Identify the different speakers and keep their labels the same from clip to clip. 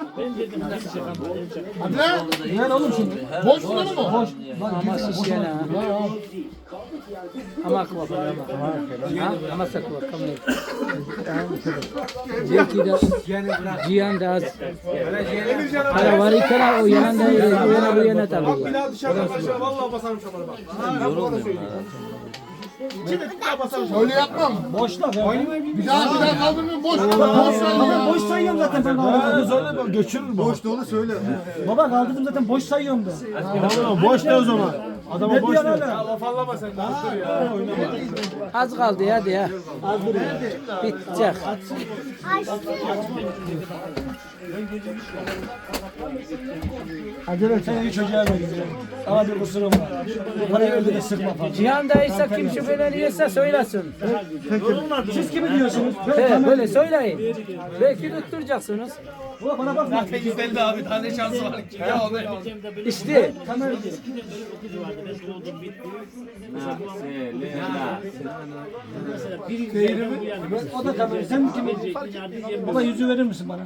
Speaker 1: Hadi lan.
Speaker 2: Ne oğlum şimdi?
Speaker 1: Boş mu? Boş.
Speaker 2: Ama şişene ha. Ama akva ama. Ama sakva kamle. Zeki de Cihan da az. Para var ikana o yanında yana bu yana tabii.
Speaker 3: Vallahi basarım şamara bak.
Speaker 1: Öyle yapmam.
Speaker 3: Boşla.
Speaker 1: Bir daha kaldırmıyorum. Boş
Speaker 3: sayıyorum zaten ben kaldırdım.
Speaker 4: Göçürür boş dolu söyle.
Speaker 3: Baba kaldırdım zaten boş sayıyorum ben.
Speaker 4: Tamam boş de o zaman. Adama boş de.
Speaker 3: Laf anlama sen.
Speaker 2: Az kaldı hadi ya. Bitecek.
Speaker 3: Acele et. Sen iyi çocuğa benziyor. Sana bir kusurum var. Parayı öldü de sıkma falan.
Speaker 2: Cihan dayıysa kim şüpheleniyorsa söylesin.
Speaker 3: Siz kimi diyorsunuz?
Speaker 2: He, böyle söyleyin. Belki tutturacaksınız.
Speaker 3: Ulan bana bak.
Speaker 5: Zaten %50 abi tane şansı var ki. Ya onu
Speaker 2: İşte.
Speaker 3: O da kamera. Sen kimi? Baba yüzü verir misin bana?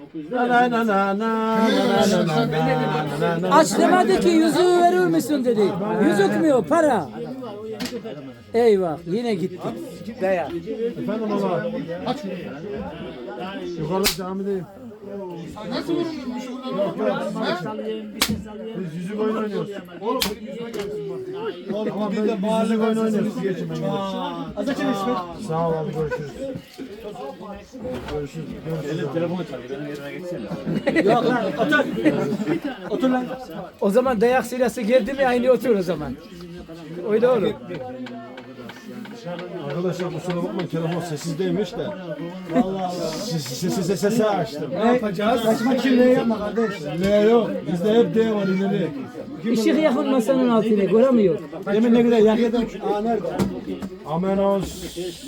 Speaker 2: Aç demedi ki yüzüğü verir misin dedi. Yüzük mü o para? Eyvah yine gitti. Daya.
Speaker 4: Efendim baba.
Speaker 1: Aç.
Speaker 4: Yukarıda camideyim.
Speaker 1: Nasıl vurulmuş burada?
Speaker 4: Biz yüzük oyunu oynuyoruz. Ama biz yüzük oyunu oynuyoruz. Geçin ben gidelim.
Speaker 3: Az açın İsmet.
Speaker 4: Sağ ol abi görüşürüz. Görüşürüz. Görüşürüz.
Speaker 5: telefonu çalıyor. Benim yerime geçsene.
Speaker 3: Yok lan otur. Otur lan.
Speaker 2: O zaman dayak silahı geldi mi aynı otur o zaman. Öyle olur.
Speaker 4: Arkadaşlar kusura bakmayın telefon sessizdeymiş de. Sesi açtım.
Speaker 3: Ne yapacağız? Kaçmak için ne yapma kardeş?
Speaker 4: Ne yok. Bizde hep D var ileri.
Speaker 2: Işık yakın masanın altına göremiyor.
Speaker 4: Demin ne güzel yakıyordum.
Speaker 3: Aa nerede?
Speaker 4: Amenos.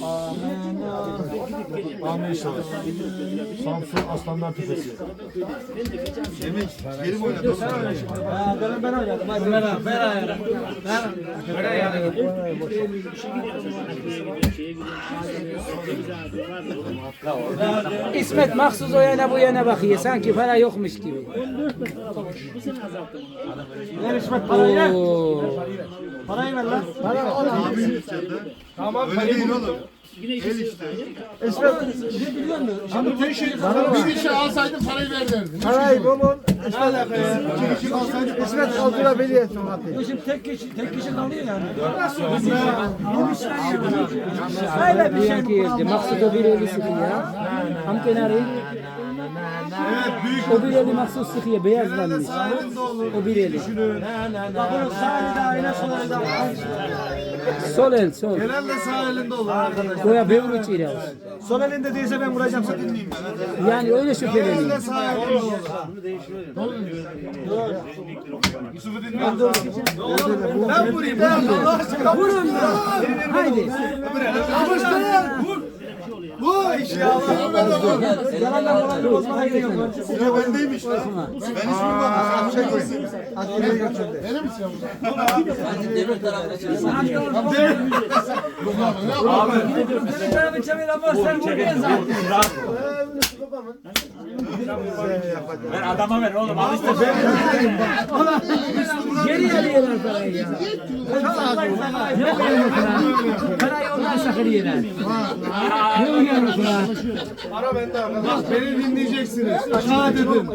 Speaker 4: Amin inşallah. Samsun Aslanlar Tepesi.
Speaker 3: Ha ben oynadım. Hadi ver ayarı. Ver ayarı.
Speaker 2: İsmet mahsus o yana bu yana bakıyor. Sanki para yokmuş gibi.
Speaker 3: Ver İsmet parayı ver.
Speaker 2: Oo.
Speaker 3: Parayı ver lan.
Speaker 4: Tamam öyle değil oğlum.
Speaker 3: İsmet ne biliyor musun? Şimdi tek şey
Speaker 1: Bir kişi alsaydın parayı ver derdin.
Speaker 3: parayı babam İsmet aldılar beni etsin hatta. Şimdi tek kişi kalıyor yani. Öyle bir şey
Speaker 2: Diyen ki evde maksud o bir eli sıkıyor ya. Ham kenarı. O bir eli maksud sıkıyor beyazlanmış. O bir eli.
Speaker 3: Bak bunun sağ eli de aynı sol eli de
Speaker 2: Sol el sol.
Speaker 3: Genelde sağ elinde olur arkadaş.
Speaker 2: Goya bevru içiyle.
Speaker 3: Sol elinde değilse ben vuracağım seni.
Speaker 2: Yani öyle şüpheleniyor.
Speaker 3: Sağ elinde olur. Ben vurayım. Allah aşkına.
Speaker 2: Vurun da. Haydi.
Speaker 3: Bu iş ya. Yalandan falan bir bozmana gerek yok.
Speaker 4: Ya bendeymiş lan. Ben hiç vurmadım. Şey koyayım.
Speaker 3: Adliye götürdü.
Speaker 1: Verir misin?
Speaker 5: Demir tarafına çalışsın.
Speaker 3: Senin tarafı çevir ama sen vurmayan zaten.
Speaker 5: Ver adama ver oğlum. Al işte.
Speaker 2: Geri alıyorlar parayı ya. Ne uyanıklar? Parayı onlar sakırıyorlar. Ne uyanıklar?
Speaker 4: Ara bende arkadaş. Beni dinleyeceksiniz. Aşağı dedim.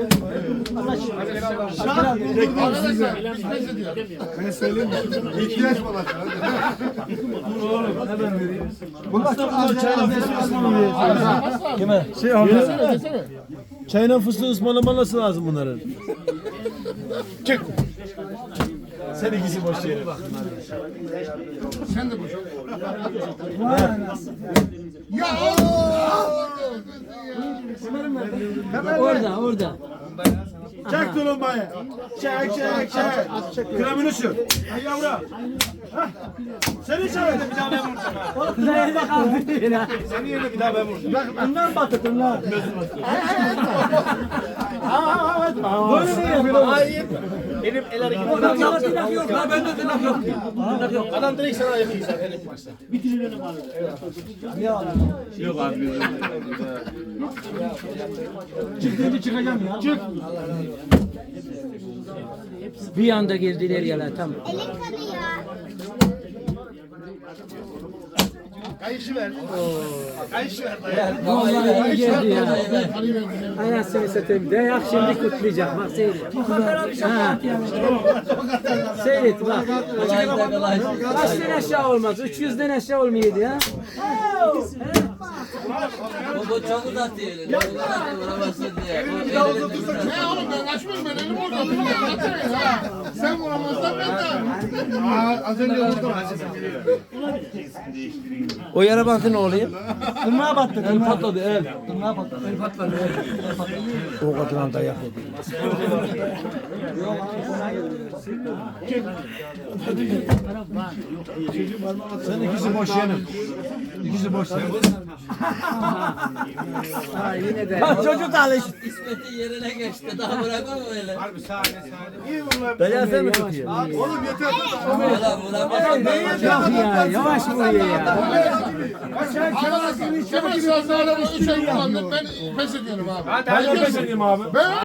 Speaker 1: Arkadaşlar biz ne diyor?
Speaker 4: Ben söyleyeyim mi? İhtiyaç bana.
Speaker 3: Bunlar çok az çayla
Speaker 4: Kime? Şey
Speaker 1: Desene desene.
Speaker 4: Çayla fıstığı ısmarlaması lazım bunların. Çık. Sen ikisi boş yere.
Speaker 1: Sen de boş. Ya Allah!
Speaker 2: Orada.
Speaker 4: Çek tulumbayı. Çek. Kremini sür. Ay yavrum. Hah. Seni çağırdım bir daha ben vuracağım.
Speaker 2: Nerede kaldı ya?
Speaker 4: Senin yerine bir daha ben vuracağım.
Speaker 3: Bak bunlar battı bunlar.
Speaker 4: Böyle mi yapıyor? Benim el hareketi.
Speaker 3: Tırnak yok la bende tırnak yok. Tırnak yok.
Speaker 4: Adam direkt sana yapıyor zaten ilk başta.
Speaker 5: Yok abi.
Speaker 3: Çık dedi çıkacağım ya. Çık.
Speaker 2: Bir anda girdiler ya lan tam.
Speaker 6: Elin kanıyor.
Speaker 4: Kayışı ver. Kayışı ver.
Speaker 2: Vallahi iyi geldi ya.
Speaker 1: Parayı verdim.
Speaker 2: Anasını satayım. Dayak şimdi kutlayacak. Bak seyret. Ha. Seyret bak. Kaçtan aşağı olmaz? 300'den aşağı olmaydı ya.
Speaker 5: Bu çok uzatıyor. Vuramazsın diye.
Speaker 1: Ne oğlum ben kaçmış ben elimi uzattım. Ben kaçarım ha. Sen vuramazsan ben de. Az önce vurdum.
Speaker 3: O yara bantı ne oluyor? Tırnağa battı. El patladı el. Tırnağa patladı. El patladı. O kadar dayak yedi. Sen ikisi boş yenin. İkisi boş yenin.
Speaker 2: Ha yine de.
Speaker 3: Bak çocuk alış.
Speaker 5: İsmet'in yerine geçti. Daha bırakma mı öyle?
Speaker 3: Dayağı sen mi tutuyor?
Speaker 1: Oğlum yeter.
Speaker 5: Vuramazsın.
Speaker 2: Yok ya yavaş vuruyor ya.
Speaker 1: Kemal biraz daha 3 ay kullandım. Ben pes ediyorum abi.
Speaker 4: Ben de pes edeyim abi.
Speaker 1: Ben